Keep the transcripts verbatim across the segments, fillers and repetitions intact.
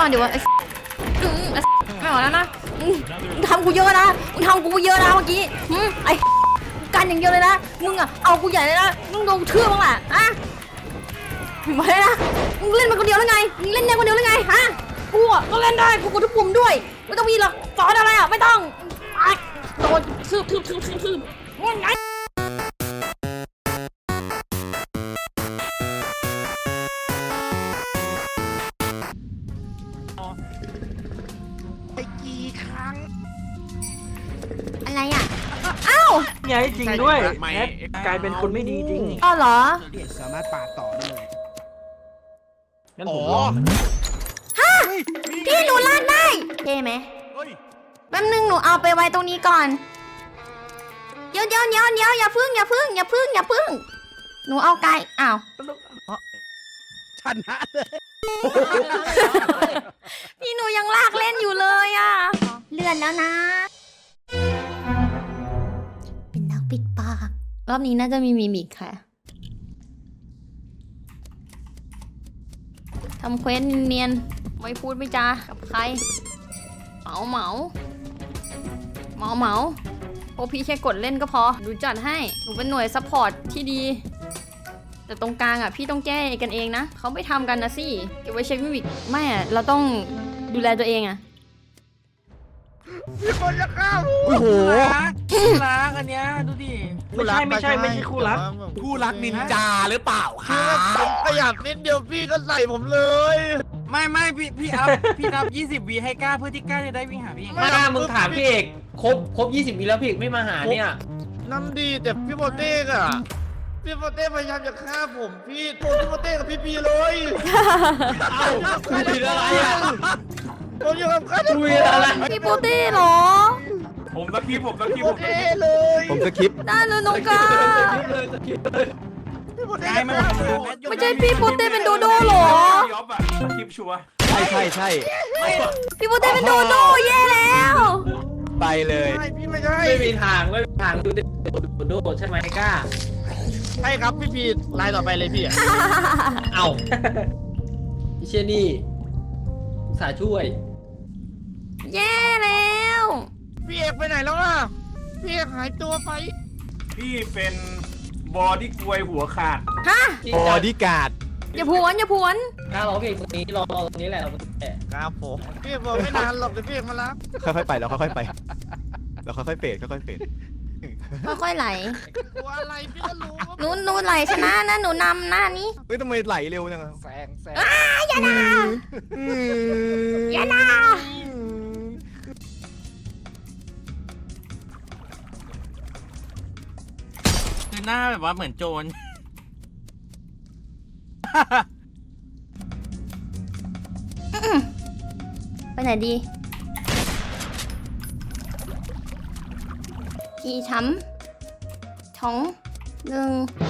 ก่อนเดี๋ยวไอ้ไม่ไหวแล้วนะมึงทำกูเยอะนะมึงทำกูเยอะนะเมื่อกี้ไอ้กันอย่างเดียวเลยนะมึงอะเอากูใหญ่เลยนะมึงโดนเทื่อบ้างแหละอะมาเลยนะมึงเล่นมันคนเดียวแล้วไงมึงเล่นได้คนเดียวแล้วไงฮะกูอะก็เล่นได้กูกดทุกปุ่มด้วยไม่ต้องมีหรอกสอนอะไรอะไม่ต้องโดนทืบทืบทืบทืบทืบไงไปกี่ครั้งอะไรอ่ะอ้าวไงจริงด้วยแอดกลายเป็นคนไม่ดีจริงอ้าวเหรอสามารถปาดต่อได้เลยงั้นผมลองฮะพี่หนูลากได้เท่ไหมแป๊บนึงหนูเอาไปไว้ตรงนี้ก่อนเดี๋ยวเดี๋ยวเดี๋ยวเดี๋ยวอย่าพึ่งอย่าพึ่งอย่าพึ่งอย่าพึ่งหนูเอาไก่อ้าวชนะเลยพี่หนูยังลากเล่นอยู่เลยอ่ะเลื่อนแล้วนะเป็นนักปิดปากรอบนี้น่าจะมีมิมิกค่ะทำเควสเนียนไม่พูดไม่จากับใครเหมาเหมาเหมาเหมาพวกพี่แค่กดเล่นก็พอดูจัดให้หนูเป็นหน่วยซัพพอร์ตที่ดีแต่ตรงกลางอ่ะพี่ต้องแก้กันเองนะเขาไม่ทำกันนะสิเก็บไว้เช็คมิมิกไม่อ่ะเราต้องดูแลตัวเองอ่ะมีคนจะฆ่าผมโอ้โหคู่รักอันเนี้ยดูดิไม่ใช่ไม่ใช่ไม่ใช่คู่รักคู่รักนินจาหรือเปล่าครับผมขยับนิดเดียวพี่ก็ใส่ผมเลยไม่ไม่พี่พี่อัพพี่นับยี่สิบวีให้กล้าเพื่อที่กล้าจะได้วิ่งหาพี่ไม่กล้ามึงถามพี่เอกครบครบยี่สิบวีแล้วพี่เอกไม่มาหาเนี่ยน้ำดีแต่พี่โบเต้อะพี่โบเต้พยายามจะฆ่าผมพี่โทรพี่โบเต้กับพี่พีเลยเอ้าคุยอะไรอ่ะผมอยู่กับใครคุยอะไรพี่โปเต้เหรอผมตะกี้ผมตะกี้ผมเลยผมจะคลิปได้เลยน้องกาไม่ใช่พี่โปเต้เป็นโดโด้หรอพี่อ๊อฟอะคลิปชัวร์ใช่ใช่ใช่พี่โปเต้เป็นโดโด้แย่แล้วไปเลยพี่ไม่ใช่ไม่มีทางไม่มีทางดูดิโดโดใช่ไหมกล้าใช่ครับพี่พีไลน์ต่อไปเลยพี่เอ้าพี่เชนี่สาช่วยแย่แล้วพี่เอกไปไหนแล้วล่ะพี่เอกหายตัวไปพี่เป็นบอดี้กลวยหัวขาดฮะบอดี้การ์ดอย่าผวนอย่าผวนกล้ารอเพลงตรงนี้รอตรงนี้แหละเราครับผมพี่เอกบอกไม่นานหรอกเดี๋ยวพี่เอกมารับค่อยๆไปเราค่อยๆไปเราค่อยๆเฟดค่อยๆเฟดค่อยๆไหลตัวอะไรพี่ก็รู้หนูหนูไหลชนะนะหนูนำหน้านี้เฮ้ยทำไมไหลเร็วจังแซงแซงอย่าด่าอย่าด่าคือหน้าแบบว่าเหมือนโจรไปไหนดีพี่ช้ำท้องหนึ่ง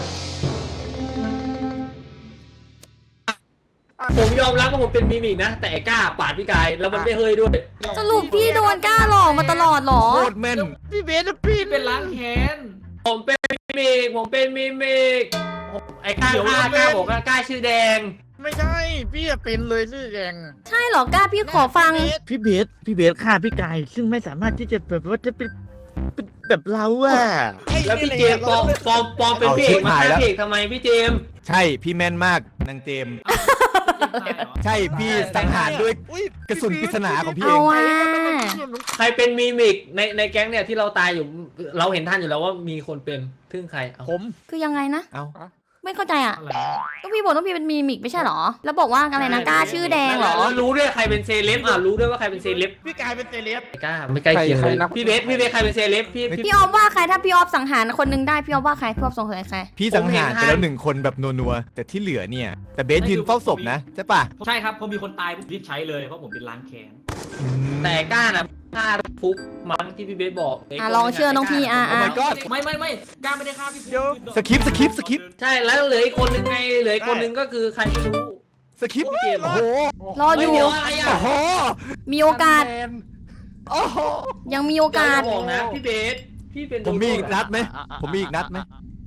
ผมยอมรับว่าผมเป็นมิมิกนะแต่กล้าปาดพี่กายแล้วมันไม่เฮยด้วยสรุปพี่โดนกล้าหลอกมาตลอดหรอโคตรแม่นพี่เบสพี่เป็นล้างแค้นผมเป็นมิมิกผมเป็นมิมิกไอ้กล้ากล้ากล้าบอกว่ากล้าชื่อแดงไม่ใช่พี่เป็นเลยชื่อแดงใช่หรอกล้าพี่ขอฟังพี่เบสพี่เบสฆ่าพี่กายซึ่งไม่สามารถที่จะแบบว่าจะเป็นแบบเราอะแล้วพี่เจมปอมปอมปอมเป็นพี่เอกมาฆ่าพี่เอกทำไมพี่เจมใช่พี่แม่นมากนางเจมใช่พี่สังหารด้วยกระสุนปริศนาของพี่เองใครเป็นมิมิกในในแก๊งเนี่ยที่เราตายอยู่เราเห็นท่านอยู่แล้วว่ามีคนเป็นทึ่งใครผมคือยังไงนะเอาไม่เข้าใจอ่ะต้องพี่บอกต้องพี่เป็นมีมิกไม่ใช่หรอแล้วบอกว่าอะไรนะกล้าชื่อแดงหรอรู้ด้วยใครเป็นเซเลบอ่ะรู้ด้วยว่าใครเป็นเซเลบพี่กายเป็นเซเลบกล้าไม่ใกล้เคียงเลยพี่เบสพี่เบสใครเป็นเซเลบพี่พี่ออฟว่าใครถ้าพี่ออฟสังหารคนนึงได้พี่ออฟว่าใครพี่ออฟสงสัยใครพี่สังหารไปแล้วหนึ่งคนแบบนัวๆแต่ที่เหลือเนี่ยแต่เบสยืนเฝ้าศพนะใช่ปะใช่ครับพอมีคนตายผมรีบใช้เลยเพราะผมเป็นล้างแค้นแต่กล้านะฆ่าฟุกมั้งที่พี่เบสบอกอ่ะลองเชื่อน้องพี่อ่ะอ่ะไม่ไม่ไม่กล้าไม่ได้ฆ่าพี่ฟุกสคิปสคิปสคิปใช่แล้วเหลืออีกคนนึงไงเหลืออีกคนนึงก็คือใครไม่รู้สคิปเกมโอ้โหรออยู่โอ้โหมีโอกาสโอ้โหยังมีโอกาสบอกนะพี่เบสพี่เป็นผมมีอีกนัดไหมผมมีอีกนัดไหม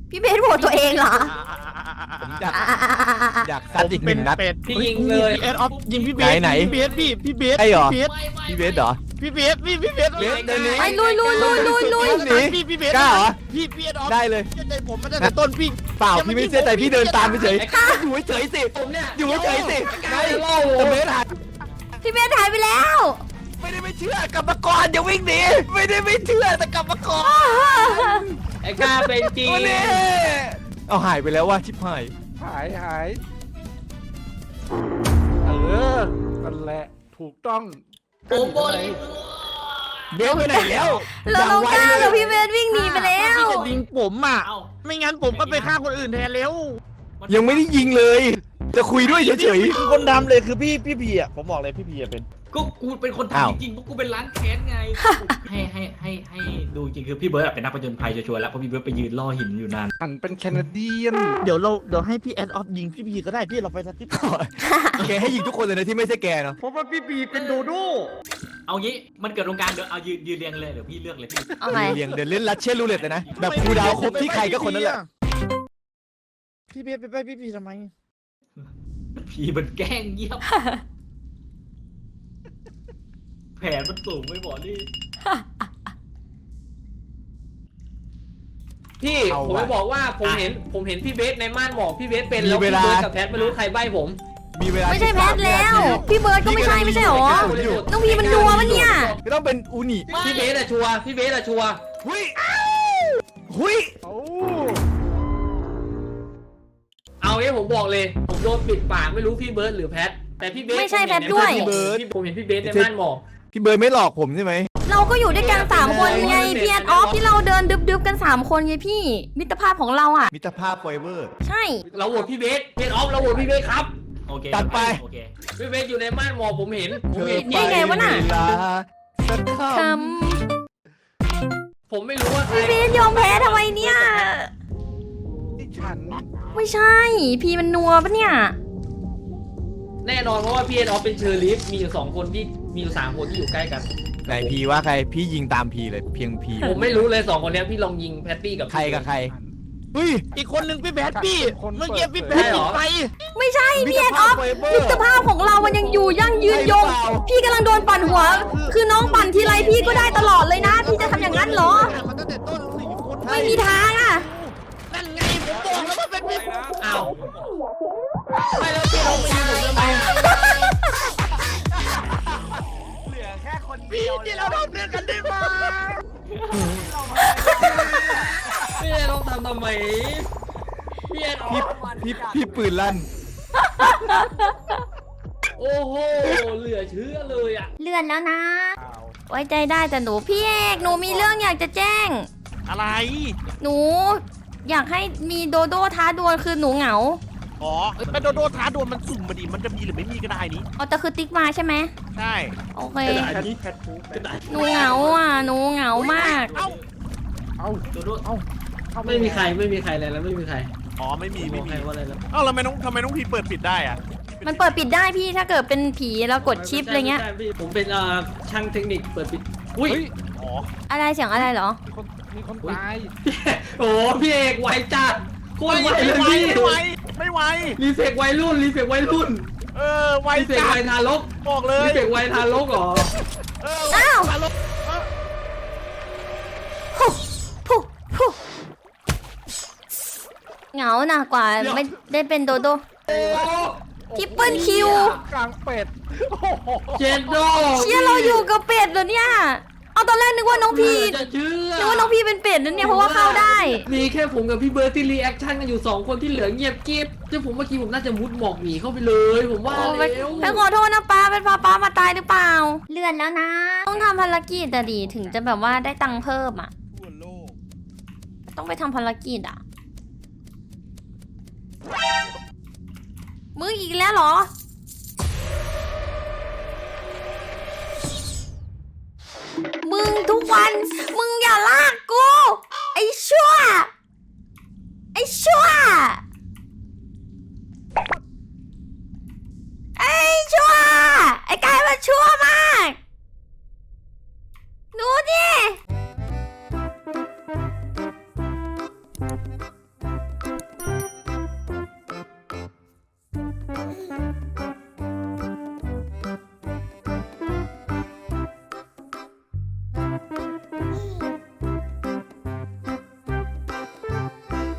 พี่เบสโหวตตัวเองเหรอผมอยากอ่ะอ่ะอ่ะอ่ะอ่ะอยากซัดอีกหนึ่งนัดเป็ดพี่ยิงเลยพี่เอสออฟยิงพี่เบสไหนไหนพี่เบสพี่พี่เบสใช่เหรอพี่เบสพี่เบสเหรอพี่เบสพี่พี่เบสเบสเดินหนีไปลุยลุยลุยลุยลุยหนีพี่พี่เบสกล้าเหรอพี่พี่เอสออฟได้เลยเชื่อใจผมมาตั้งแต่ต้นพี่เปล่าพี่ไม่เชื่อใจพี่เดินตามไปเฉยไอ้กล้าอยู่เฉยๆสิผมเนี่ยอยู่เฉยๆสิไอ้เล่าแต่เบสหายพี่เบสหายไปแล้วไม่ได้ไม่เชื่อกลับมาก่อนอย่าวิ่งหนีไม่ได้ไม่เชื่อแต่กลับมาก่อนไอ้กล้าเป็นจริงโอ้เน่เอาหายไปแล้วว่าชิบหายหายหายเออนั่นแหละถูกต้องโอ้โหเบสไปไหนแล้วแล้วน้องก้าวกับพี่เบสวิ่งหนีไปแล้วพี่จะยิงผมอ่ะเอ้าไม่งั้นผมก็ไปฆ่าคนอื่นแทนแล้วยังไม่ได้ยิงเลย จะคุยด้วยเฉยคือคนดำเลยคือพี่พี่พีอ่ะผมบอกเลยพี่พีอ่ะเป็นก็กูเป็นคนอ้าวทำจริงๆเพราะกูเป็นล้างแค้นไง ให้ให้ให้ให้ดูจริงคือพี่เบิร์ดอะเป็นนักผจญภัยชัวร์ๆแล้วเพราะพี่เบิร์ดไปยืนล่อหินอยู่นานหันเป็นแคนาเดียนเดี๋ยวเราเดี๋ยวให้พี่แอดออฟยิงพี่พีก็ได้พี่เราไปสักที่ๆแกให้ยิงทุกคนเลยนะที่ไม่ใช่แกเนาะเพราะว่าพี่พีเป็นโดโด้เอางี้มันเกิดตรงกลางเดี๋ยวเอายืนยืนเรียงเลยเดี๋ยวพี่เลือกเลยพี่เอาไงเรียงเดินเล่นลัดเช่นรูเล็ตเลยนะแบบครูดาวครบที่ใครก็คนนั้นแหละพี่เบสไปไปพี่พีทำไมพี่มันแกล้งเยี่ยมแผนมันสูงไม่บอกนี่พี่เอาผมว่ะจะบอกว่าผมเห็นผมเห็นพี่เบสในม่านหมอกพี่เบสเป็นมีแล้วเวพี่ลาเบสกับแพทไม่รู้ใครใบ้ผมมีเวลาไม่ใช่แพทแล้ว พี่เบิร์ดก็ไม่ใช่ไม่ใช่หรออยู่น้องพีมันนัวปะเนี่ยไม่ต้องเป็นอูนิพี่เบสอะชัวร์พี่เบสอะชัวร์หุยหุยโอ้เอางี้ผมบอกเลย ผมโดนปิดปากไม่รู้พี่เบิร์ดหรือแพทแต่พี่เบสไม่ใช่แพทด้วยผมเห็นผมเห็นพี่เบสในม่านหมอกพี่เบิร์ดไม่หลอกผมใช่ไหมเราก็อยู่ด้วยกันสามคนไงพี่แอดออฟที่เราเดินดึบๆกันสามคนไงพี่ มิตรภาพของเราอ่ะมิตรภาพไฟเวอร์ใช่เราโหวตพี่เบสเพนออฟเราโหวตพี่เบสครับโอเคตัดไปโอเคพี่เบสอยู่ในม่านหมอกผมเห็นผมเห็นนี่ไงวะน่ะเวลาสักคคผมไม่รู้ว่าใครำพี่เบสยอมแพ้ทำไมเนี่ยที่ฉันไม่ใช่ พี่มันนัวปะเนี่ยแน่นอนเพราะว่าพี่เอ็นออฟเป็นเชอร์ลีฟมีอยู่สองคนที่มีอยู่สามคนที่อยู่ใกล้กันำไหนพีว่าใครพี่ยิงตามพีเลยเพียงพีผมไม่รู้เลยสองคนเนี้ยพี่ลองยิงแพตตี้กับใครกับใครเฮ้ยอีกคนหนึ่งพี่แบทพี่เมื่อกี้พี่แบทยิงไปไม่ใช่พี่แอดออฟไฟเวอมิร์ตรภาพของเรามันยังอยู่ยั่งยืนยงใช่หรือเปล่าพี่กำลังโดนปั่นหัว คือน้องปั่นทีไรพี่ก็ได้ตลอดเลยนะ พี่จะทำอย่างนั้นเหรอมาตั้งแต่ต้นสี่คนไม่มีทางอ่ะนั่นไงผมบอกแล้วว่าเป็นพี่อ้าวไม่แล้วพี่ลองไปยิงผมทำไมพี่ที่เราทำเรื่องกันได้ไหมพี่เอ็นออฟทำทำไมพี่เอ็นออพี่ฟพี่พี่ปืนลั่นโอ้โหเหลือเชื่อเลยอ่ะเลื่อนแล้วนะ ไว้ใจได้แต่หนูพี่เอกหนูมีเรื่องอยากจะแจ้งอะไรหนู อยากให้มีโดโดท้าดวลคือหนูเหงาอ๋อเป็นโดโดท้าดวลมันสุ่มมาดิมันจะมีหรือไม่มีก็ได้นี้เอาแต่คือติ๊กมาใช่ไหมใช่โอเคกระดาษนี้แพทฟูกระดาษหนูเหงาอ่ะ หนูเหงามากเอ้าเอาโดโดเอาเข้าไม่มีใครไม่มีใครเลยแล้วไม่มีใครอ๋อไม่มีบไม่อกใครมีว่าอะไรแล้วเอ้าแล้วทำไมน้องทำไมน้องพีเปิดปิดได้อะมันเปิดปิดได้พี่ถ้าเกิดเป็นผีแล้วกดชิปอะไรเงี้ยม่ใช่พี่ผมเป็นเอ่อช่างเทคนิคเปิดปิดอุ้ยเฮ้ยอ๋ออะไรเสียงอะไรเหรอมีคนมีคนตายโอ้พี่เอกไวจัดโคตรไวไม่เลยไหวพี่ไม่ไหวไม่ไหวรีเฟกวัยรุ่นรีเฟกวัยรุ่นเออไวรีเฟกจัวัดยทารกบอกเลรียเฟกวัยทารกเหรอเอออ้าวมาลงพุพุเหงาหนักกว่าไม่ได้เป็นโดโดโอ้ทริปเปิลคิวกลางเป็ดเจนโดเชียร์เราอยู่กับเป็ดเหรอเนี่ย เอาตอนแรกนึกว่าน้องพีจะเชื่อนึกว่าน้องพีเป็นเป็ดนั่นเนี่ยเพราะว่าเข้าได้มีแค่ผมกับพี่เบิร์ดที่รีแอคชั่นกันอยู่สองคนที่เหลือเงียบกิ๊บที่ผมเมื่อกี้ผมน่าจะมุดหมอกหนีเข้าไปเลย ผมว่าโอ้ไปแล้วไปขอโทษนะป้าเป็นพาป้ามาตายหรือเปล่า เลื่อนแล้วนะ ต้องทำภารกิจแต่ดีถึงจะแบบว่าได้ตังค์เพิ่มอ่ะทั่วโลกต้องไปทำภารกิจอ่ะ มึงอีกแล้วเหรอ